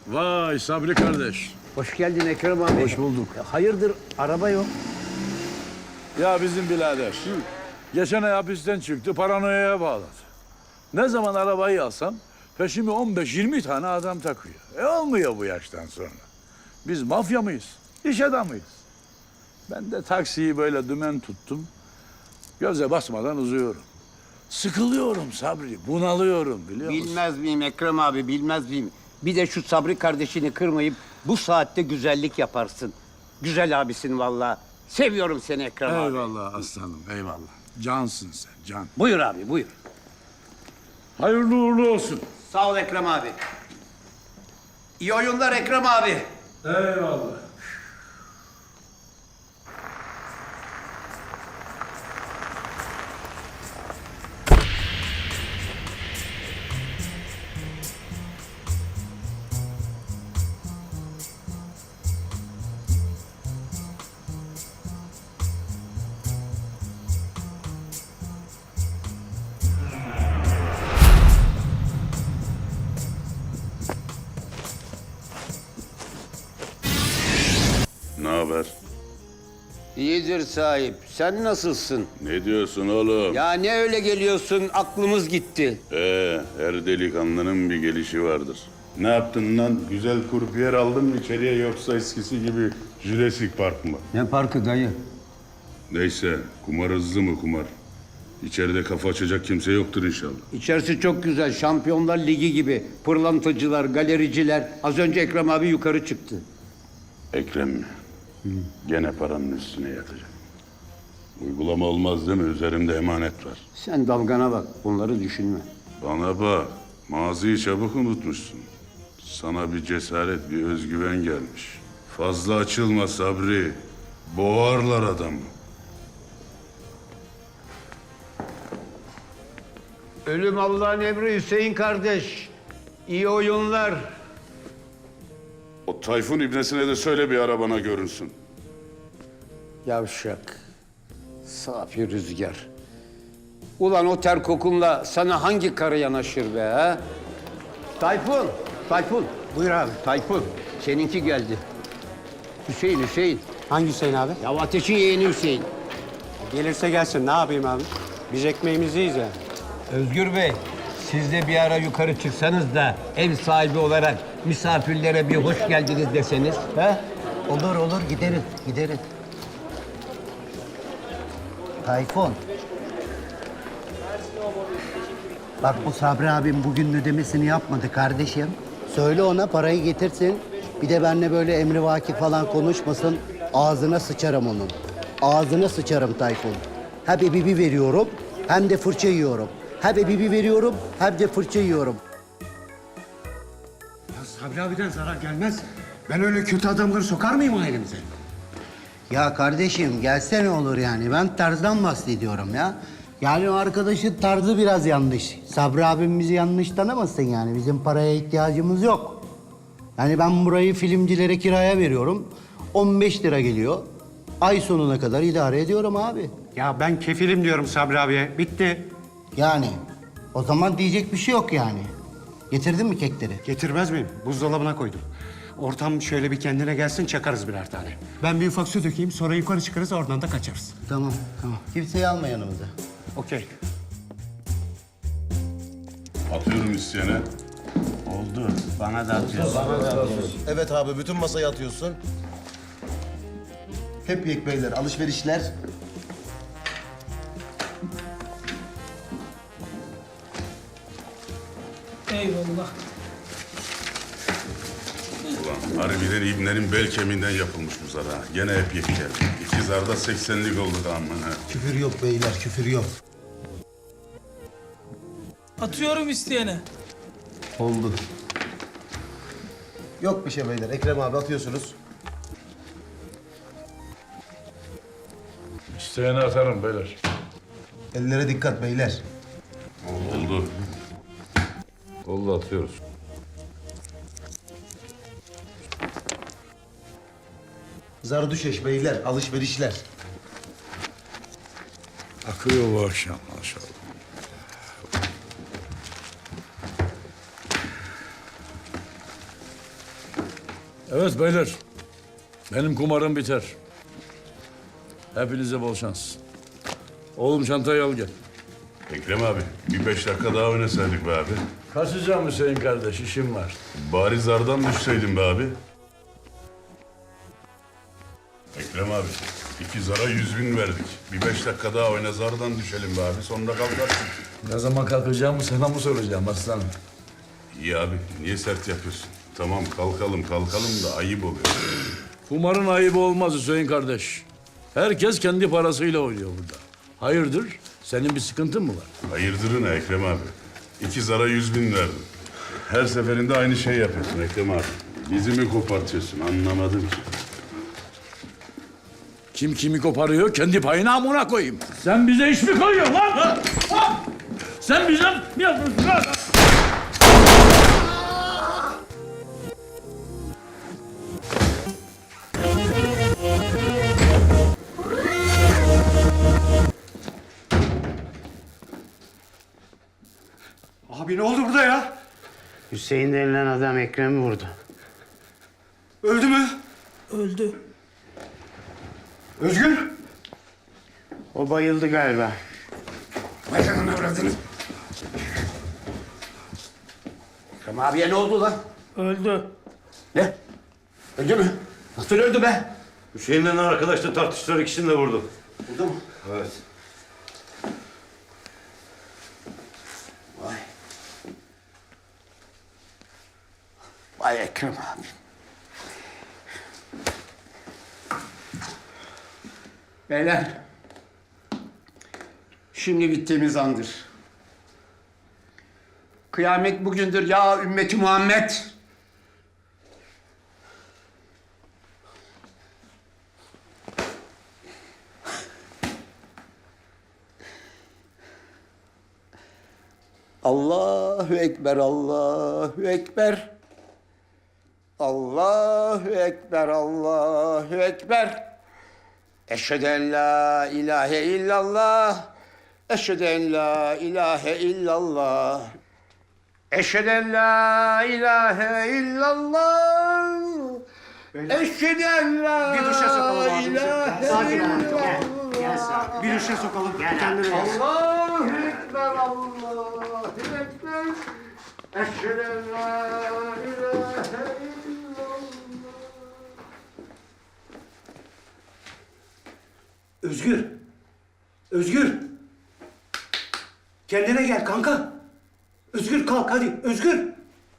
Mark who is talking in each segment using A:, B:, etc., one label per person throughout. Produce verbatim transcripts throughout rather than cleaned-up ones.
A: Vay Sabri kardeş.
B: Hoş geldin Ekrem abi.
A: Hoş bulduk.
B: Hayırdır araba yok?
A: Ya bizim birader. Geçen ay hapisten çıktı, paranoyaya bağladı. Ne zaman arabayı alsam peşimi on beş yirmi tane adam takıyor. E olmuyor bu yaştan sonra. Biz mafya mıyız? İş adamıyız. Ben de taksiyi böyle dümen tuttum. Göze basmadan uzuyorum. Sıkılıyorum Sabri, bunalıyorum biliyor musun?
B: Bilmez miyim Ekrem abi, bilmez miyim? Bir de şu Sabri kardeşini kırmayıp bu saatte güzellik yaparsın. Güzel abisin vallahi. Seviyorum seni Ekrem abi.
A: Eyvallah aslanım, eyvallah. Cansın sen, can.
B: Buyur abi, buyur.
A: Hayırlı uğurlu olsun.
B: Sağ ol Ekrem abi. İyi oyunlar Ekrem abi.
A: Eyvallah.
C: Ne haber?
B: İyidir sahip. Sen nasılsın?
C: Ne diyorsun oğlum?
B: Ya ne öyle geliyorsun? Aklımız gitti.
C: Ee, her delikanlının bir gelişi vardır. Ne yaptın lan? Güzel kurpiyer aldın mı içeriye yoksa eskisi gibi Jurassic Park mı?
B: Ne parkı dayı?
C: Neyse, kumar hızlı mı kumar? İçeride kafa açacak kimse yoktur inşallah.
B: İçerisi çok güzel. Şampiyonlar Ligi gibi. Pırlantacılar, galericiler. Az önce Ekrem abi yukarı çıktı.
C: Ekrem mi? Gene paranın üstüne yatacak. Uygulama olmaz değil mi? Üzerimde emanet var.
B: Sen dalgana bak. Bunları düşünme.
C: Bana bak, maziyi çabuk unutmuşsun. Sana bir cesaret, bir özgüven gelmiş. Fazla açılma Sabri. Boğarlar adamı.
B: Ölüm Allah'ın emri Hüseyin kardeş. İyi oyunlar.
C: O Tayfun ibnesine de söyle bir arabana görünsün.
B: Yavşak. Safi rüzgar. Ulan o ter kokunla sana hangi karı yanaşır be ha? Tayfun, Tayfun. Buyur abi. Tayfun, seninki geldi. Hüseyin, Hüseyin.
D: Hangi Hüseyin abi?
B: Ya ateşin yeğeni Hüseyin.
D: Gelirse gelsin. Ne yapayım abi? Biz ekmeğimizi yiyeceğiz yani.
B: Özgür Bey, siz de bir ara yukarı çıksanız da ev sahibi olarak misafirlere bir hoş geldiniz deseniz. He?
E: Olur olur gideriz gideriz. Tayfun. Bak bu Sabri abim bugün ödemesini yapmadı kardeşim. Söyle ona parayı getirsin. Bir de benimle böyle emrivaki falan konuşmasın. Ağzına sıçarım onun. Ağzına sıçarım Tayfun. Hem ebibi veriyorum hem de fırça yiyorum. Hem ebibi veriyorum hem de fırça yiyorum.
D: Ya Sabri abiden zarar gelmez. Ben öyle kötü adamları sokar mıyım ailemize?
E: Ya kardeşim gelse ne olur yani? Ben tarzdan bahsediyorum ya. Yani o arkadaşın tarzı biraz yanlış. Sabri abim bizi yanlış tanımasın yani. Bizim paraya ihtiyacımız yok. Yani ben burayı filmcilere kiraya veriyorum. on beş lira geliyor. Ay sonuna kadar idare ediyorum abi.
D: Ya ben kefilim diyorum Sabri abiye. Bitti.
E: Yani o zaman diyecek bir şey yok yani. Getirdin mi kekleri?
D: Getirmez miyim? Buzdolabına koydum. Ortam şöyle bir kendine gelsin, çakarız birer tane. Ben bir ufak su dökeyim, sonra yukarı çıkarız, oradan da kaçarız.
E: Tamam, tamam. Kimseyi alma yanımıza.
D: Okey.
C: Atıyorum isteyene.
D: Oldu. Bana da atıyorsun.
F: Evet abi, bütün masayı atıyorsun. Hep yek beyler, alışverişler.
G: Eyvallah.
C: Ulan harbiden ibnenin bel kemiğinden yapılmış bu zar ha. Gene hep yek geldi. İki zarda seksenlik oldu da aman ha.
F: Küfür yok beyler, küfür yok.
G: Atıyorum isteyene.
F: Oldu. Yok bir şey beyler, Ekrem abi atıyorsunuz.
A: İsteyene atarım beyler.
F: Ellere dikkat beyler.
C: Oldu. Oldu atıyoruz.
F: Zardüşeş beyler, alışverişler.
A: Akıyor bu akşam maşallah. Evet beyler. Benim kumarım biter. Hepinize bol şans. Oğlum çantayı al gel.
C: Ekrem abi, bir beş dakika daha oynasaydık be abi.
A: Kaçacağım Hüseyin kardeş, işim var.
C: Bari zardan düşseydin be abi. Ekrem abi, iki zara yüz bin verdik. Bir beş dakika daha oyna zardan düşelim be abi. Sonunda kalkarsın.
A: Ne zaman kalkacağımı sana mı soracağım aslanım?
C: İyi abi, niye sert yapıyorsun? Tamam kalkalım kalkalım da ayıp oluyor.
A: Kumarın ayıbı olmaz Hüseyin kardeş. Herkes kendi parasıyla oynuyor burada. Hayırdır? Senin bir sıkıntın mı var?
C: Hayırdırı ne Ekrem abi? İki zara yüz bin verdim. Her seferinde aynı şey yapıyorsun Ekrem abi. Bizi mi kopartıyorsun anlamadım ki.
A: Kim kimi koparıyor, kendi payına amına koyayım. Sen bize iş mi koyuyorsun lan? Ha? Ha? Sen bize mi yapıyorsun lan?
D: Abi ne oldu burada ya?
E: Hüseyin denilen adam Ekrem'i vurdu.
D: Öldü mü?
G: Öldü.
D: Özgür?
E: O bayıldı galiba.
B: Ekrem abiye ne oldu lan?
G: Öldü.
B: Ne? Öldü mü? Nasıl öldü be?
H: Hüseyin'le arkadaşla tartıştılar, ikisini de vurdu.
B: Oldu mu?
H: Evet.
B: Vay. Vay Ekrem abi. Beyler. Şimdi bittiğimiz andır. Kıyamet bugündür ya ümmeti Muhammed. Allahu Ekber, Allahu Ekber. Allahu Ekber, Allahu Ekber. Eşhedü en la ilahe illallah. Eşhedü en la ilahe illallah. Eşhedü en la ilahe illallah. Eşhedü en la
D: Bir duşa sokalım ağzımızı.
B: ilahe
D: Sakin ol.
B: illallah.
E: Gel sakin.
D: Bir duşa sokalım. Kendine gel.
B: Allahu Ekber, Allahu Ekber. Eşhedü en la ilahe illallah.
D: Özgür. Özgür. Kendine gel kanka. Özgür kalk hadi. Özgür.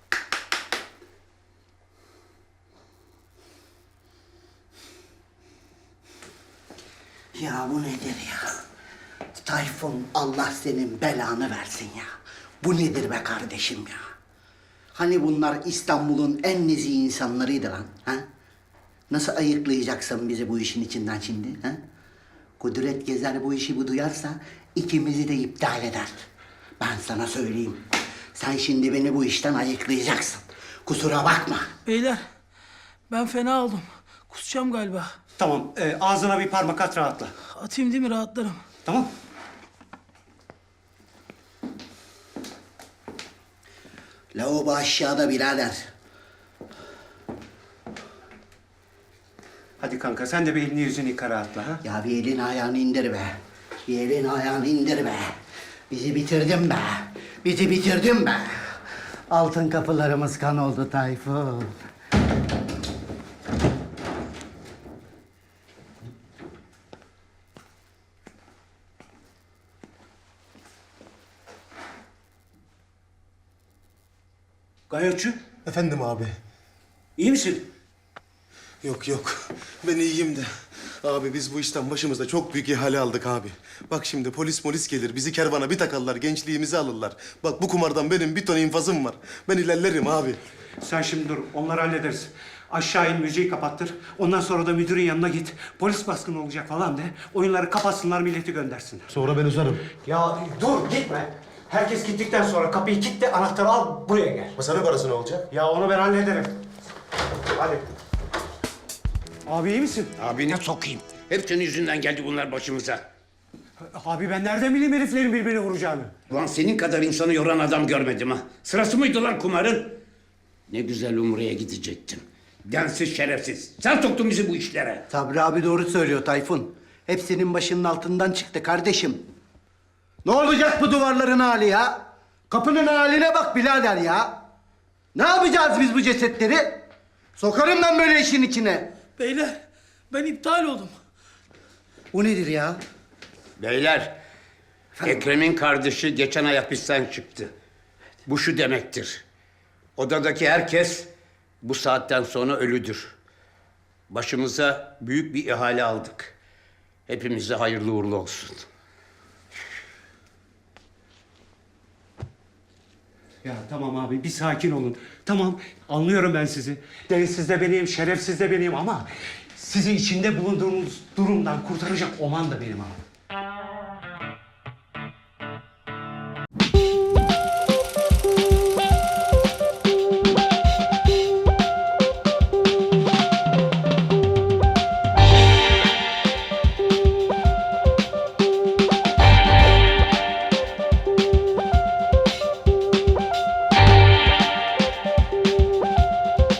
E: Ya bu nedir ya? Tayfun, Allah senin belanı versin ya. Bu nedir be kardeşim ya? Hani bunlar İstanbul'un en nezih insanlarıydı lan, ha? Nasıl ayıklayacaksın bizi bu işin içinden şimdi, ha? Kudret Gezer bu işi bu duyarsa ikimizi de iptal eder. Ben sana söyleyeyim. Sen şimdi beni bu işten ayıklayacaksın. Kusura bakma.
G: Beyler ben fena oldum. Kusacağım galiba.
D: Tamam. e, ağzına bir parmak at rahatla.
G: Atayım değil mi rahatlarım.
D: Tamam.
E: Lavabo aşağıda birader.
D: Hadi kanka sen de bir elini yüzünü yıka rahatla ha.
E: Ya bir elin ayağını indir be. Bir elin ayağını indir be. Bizi bitirdin be. Bizi bitirdin be. Altın kapılarımız kan oldu Tayfun.
D: Gayotçu.
F: Efendim abi.
D: İyi misin?
F: Yok yok. Ben iyiyim de. Abi biz bu işten başımızda çok büyük ihale aldık abi. Bak şimdi polis polis gelir. Bizi kervana bir takarlar. Gençliğimizi alırlar. Bak bu kumardan benim bir ton infazım var. Ben ilerlerim abi.
D: Sen şimdi dur. Onları hallederiz. Aşağı in müziği kapattır. Ondan sonra da müdürün yanına git. Polis baskını olacak falan de. Oyunları kapatsınlar, milleti göndersinler.
F: Sonra ben uzarım.
D: Ya dur gitme. Herkes gittikten sonra kapıyı kilitle, anahtarı al, buraya gel.
F: Masana parası ne olacak?
D: Ya onu ben hallederim. Hadi. Abi iyi misin?
B: Abine sokayım. Hep senin yüzünden geldi bunlar başımıza.
D: Abi ben nereden bileyim heriflerin birbirini vuracağını?
B: Ulan senin kadar insanı yoran adam görmedim ha. Sırası mıydı lan kumarın? Ne güzel Umre'ye gidecektim. Densiz şerefsiz. Sen soktun bizi bu işlere.
E: Sabri abi doğru söylüyor Tayfun. Hepsinin başının altından çıktı kardeşim. Ne olacak bu duvarların hali ya? Kapının haline bak birader ya. Ne yapacağız biz bu cesetleri? Sokarım ben böyle işin içine.
G: Beyler ben iptal oldum.
E: Bu nedir ya?
B: Beyler, Ekrem'in kardeşi geçen ay hapisten çıktı. Bu şu demektir. Odadaki herkes bu saatten sonra ölüdür. Başımıza büyük bir ihale aldık. Hepimize hayırlı uğurlu olsun.
D: Ya tamam abi bir sakin olun. Tamam anlıyorum ben sizi. Densiz de benim, şerefsiz de benim ama sizi içinde bulunduğunuz durumdan kurtaracak olan da benim abi.